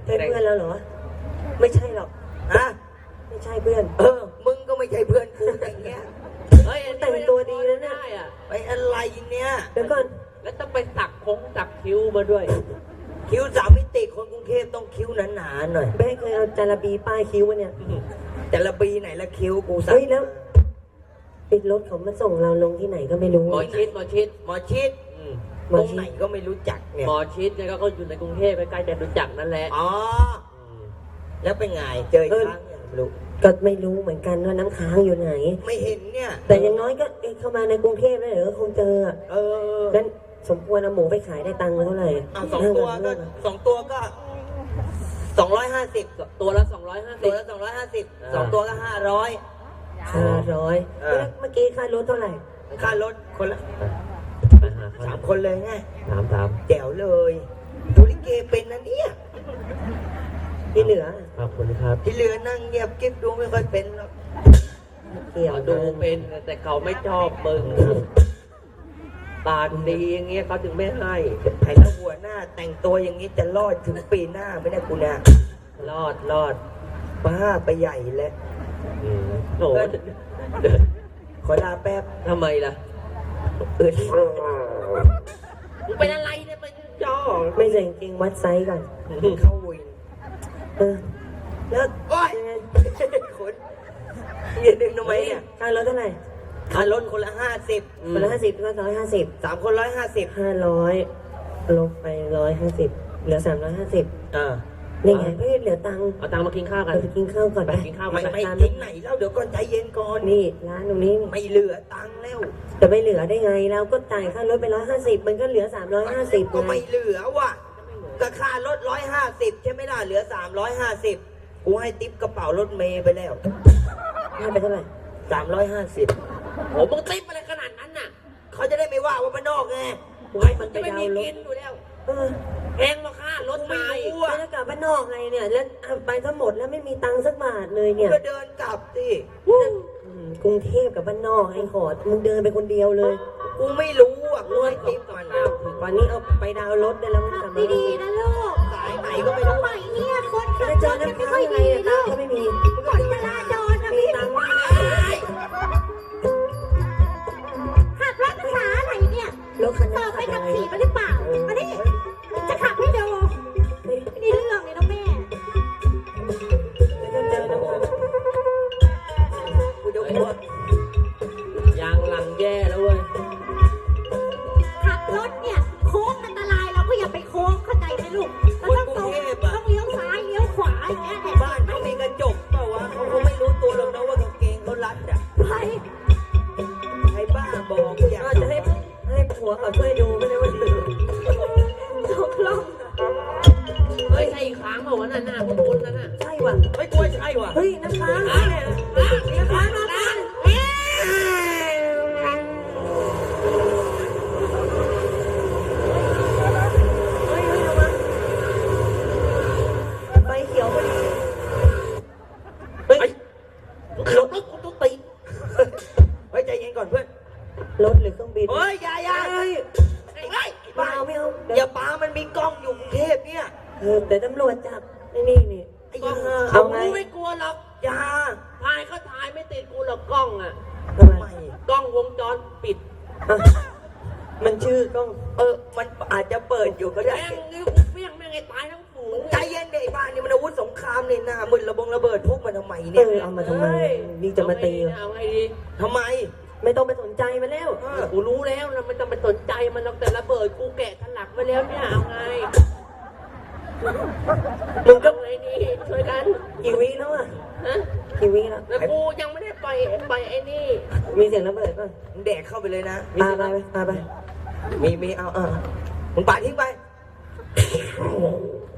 ใช่เพื่อนแล้วเหรอไม่ใช่หรอกฮะไม่ใช่เพื่อนมึงก็ไม่ใช่เพื่อนกูอย่างเงี้ยเฮ้ยแต่งตัวดีแล้วเนี่ยไปอะไรเนี่ยเดี๋ยวก่อนแล้วต้องไปสักคิ้วมาด้วยคิ้ว3 มิติคนกรุงเทพต้องคิ้วหนาๆหน่อยแม่เคยเอาจาระบีป้ายคิ้วมาเนี่ยแต่ละปีไหนละคิ้วกูสักเฮ้ยแล้วปิดรถเขามาส่งเราลงที่ไหนก็ไม่รู้หมอชิดตรงไหนก็ไม่รู้จักเนี่ยหมอชิดเนี่ยก็อยู่ในกรุงเทพใกล้ๆจะรู้จักนั่นแหละอ๋อแล้วเป็นไงเจออีกครั้งยังไม่รู้ก็ไม่รู้เหมือนกันว่าน้ำค้างอยู่ไหนไม่เห็นเนี่ยแต่อย่างน้อยก็เข้ามาในกรุงเทพแล้วเดี๋ยวก็คงเจองั้นสมควรเอาหมูไปขายได้ตังค์มาเท่าไหร่ 2 ตัวก็250 ตัวละ250 ตัวละ250 2 ตัวก็500 เมื่อกี้ค่ารถเท่าไหร่ค่ารถคนละ3 คนเลยไง 3 แจ๋วเลยดูลิเกเป็นนะเนี่ยที่เหลือขอบคุณครับที่เหลือนั่งเงียบกิ๊บดูไม่ค่อยเป็นหรอกเกี่ยวดูเป็นแต่เขาไม่ชอบมึงตาดีอย่างเงี้ยเขาถึงไม่ให้ไอ้แล้วหัวหน้าแต่งตัวอย่างนี้จะรอดถึงปีหน้าไม่ได้กูนะรอดบ้าไปใหญ่แล้วโอ้ขอลาแป๊บทำไมล่ะมึงเป็นอะไรเนี่ยเป็นจ้อไม่ใส่จริงวัดไซส์ก่อนเข้าวินแล้วโอ๊ยคนยืนดึงทำไมเนี่ยค่ารถเท่าไหร่ค่ารถคนละ50 คนละ50ก็150 3 คน150 500ลบไป150เหลือ350นี่ไงเฮ้ยเหลือตังค์เอาตังค์มากินข้าวกันไปกินข้าวก่อนไปกินข้าวไม่ทิ้งไหนแล้วเดี๋ยวก่อนใจเย็นก่อนนี่ร้านตรงนี้ไม่เหลือตังค์แล้วจะไม่เหลือได้ไงเราก็จ่ายค่ารถไป150มันก็เหลือ350 ก็ไม่เหลือว่ะก็ค่ารถ150ใช่ไหมล่ะเหลือ350กูให้ติ๊บกระเป๋ารถเมย์ไปแล้วให้ไปเท่าไหร่ 350 โอ้มึงติ๊บอะไรขนาดนั้นน่ะเขาจะได้ไม่ว่าบ้านนอกไงมันจะไม่มีกินอยู่แล้วแพงมาค่ารถไม่รู้จะกลับบ้านนอกไงเนี่ยแล้วไปทั้งหมดแล้วไม่มีตังค์สักบาทเลยเนี่ยก็เดินกลับสิกรุงเทพกับบ้านนอกไอ้ขอดมึงเดินไปคนเดียวเลยกูไม่รู้อ่ะกูให้ติ๊บมันวันนี้เอาไปดาวรถได้แล้วมันกลับมาดีๆนะลูกสายไหนก็ไม่รู้ใหม่เนี่ยคนขับรถไม่ค่อยดีลูกก็ไม่มีกฎจราจรนะพี่ตังค์ขับรถภาษาอะไรเนี่ยรถคันนี้สอบไปขับขี่มาหรือเปล่ามาดิจะขับให้ดูนี่เรื่องเลยนะแม่กูจะอ้วกยางหลังแย่แล้วเว้ยขับรถเนี่ยโค้งอันตรายเราก็อย่าไปโค้งเข้าใจไหมลูกเราต้องตรงต้องเลี้ยวซ้ายเลี้ยวขวาอย่างเงี้ยบ้านเขามีกระจกเปล่าวะเขาคงไม่รู้ตัวหรอกนะว่ากางเกงเขารัดอ่ะใครบ้าบอกกูอยากจะให้ผัวเขาช่วยดูไม่ได้ว่าดีตกลงเฮ้ยใช่อีกครั้งเปล่าวะนั่นน่ะคุณนั่นน่ะใช่ว่ะเฮ้ยกล้วยใช่ว่ะเฮ้ยน้ำค้างน้ำค้างไฟเขียวพอดีเฮ้ยรถกูต้องตีเฮ้ยใจเย็นก่อนเพื่อนรถหรือเครื่องบินเฮ้ยอย่าเฮ้ยไม่เอาอย่าปามันมีกล้องอยู่กรุงเทพเนี่ยแต่ตำรวจจับนี่เอาไงไม่กลัวหรอกอย่าถ่ายเขาถ่ายไม่ติดกูหรอกกล้องอ่ะทำไมกล้องวงจรปิดมันชื่อกล้องมันอาจจะเปิดอยู่ก็ได้แม่งนี่เปี้ยงแม่งไอ้ตายทั้งฝูงใจเย็นเด็กบ้านนี่มันอาวุธสงครามเนี่ยนะมึนระเบิดพกมาทำไมเนี่ยเอามาทำไมนี่จะมาตีเอาไงดีทำไมไม่ต้องไปสนใจมันแล้วกูรู้แล้วนะไม่ต้องไปสนใจมันหรอกแต่ระเบิดกูแกะถลักไว้แล้วเนี่ยเอาไงมึงก็ไอ้นี่ช่วยกันกี่วิแล้วอ่ะกี่วิแล้วแล้วกูยังไม่ได้ไปไอ้นี่มีเสียงระเบิดป่ะแดกเข้าไปเลยนะปาไปมีเอามึงปาทิ้งไป